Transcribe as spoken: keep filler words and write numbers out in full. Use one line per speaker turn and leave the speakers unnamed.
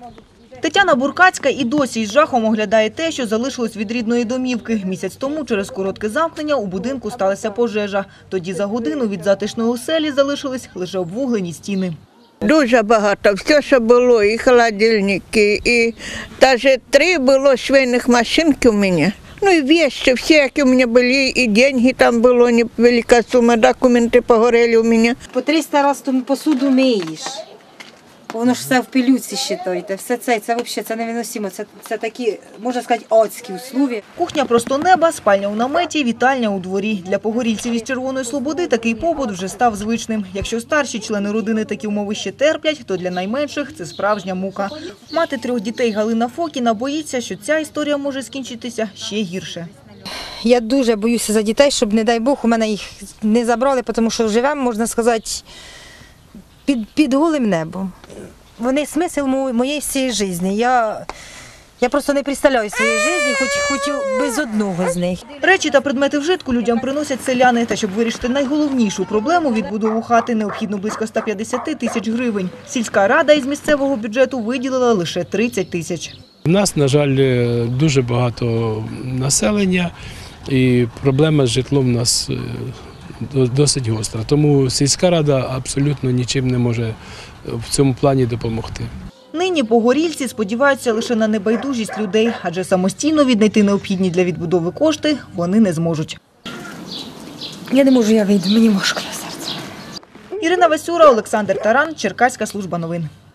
Тетяна Буркацька і досі із жахом оглядає те, що залишилось від рідної домівки. Місяць тому через коротке замкнення у будинку сталася пожежа. Тоді за годину від затишної оселі залишились лише обвуглені стіни.
Дуже багато. Все, що було, і холодильники, і навіть три було швейних машинки у мене. Ну і вещи, всі, які у мене були, і деньги там було, невелика сума, документи погорели у мене.
По триста разів посуду миєш. Воно ж все в пилюці, считайте. Все це, це взагалі це невиносимо. Це, це такі, можна сказати, адські условия.
Кухня просто неба, спальня у наметі, вітальня у дворі. Для погорільців із Червоної Слободи такий побут вже став звичним. Якщо старші члени родини такі умови ще терплять, то для найменших це справжня мука. Мати трьох дітей Галина Фокіна боїться, що ця історія може скінчитися ще гірше.
Я дуже боюся за дітей, щоб, не дай Бог, у мене їх не забрали, тому що живемо, можна сказати, під, під голим небом. Вони смисл моєї всієї життя. Я, я просто не представляю своєї життя, хоч, хоч без одного з них.
Речі та предмети вжитку людям приносять селяни. Та щоб вирішити найголовнішу проблему – відбудову хати, необхідно близько ста п'ятдесяти тисяч гривень. Сільська рада із місцевого бюджету виділила лише тридцять тисяч.
У нас, на жаль, дуже багато населення і проблема з житлом у нас досить гостра. Тому сільська рада абсолютно нічим не може в цьому плані допомогти.
Нині погорільці сподіваються лише на небайдужість людей, адже самостійно віднайти необхідні для відбудови кошти вони не зможуть.
Я не можу, я вийду, мені важко на серце.
Ірина Васюра, Олександр Таран, Черкаська служба новин.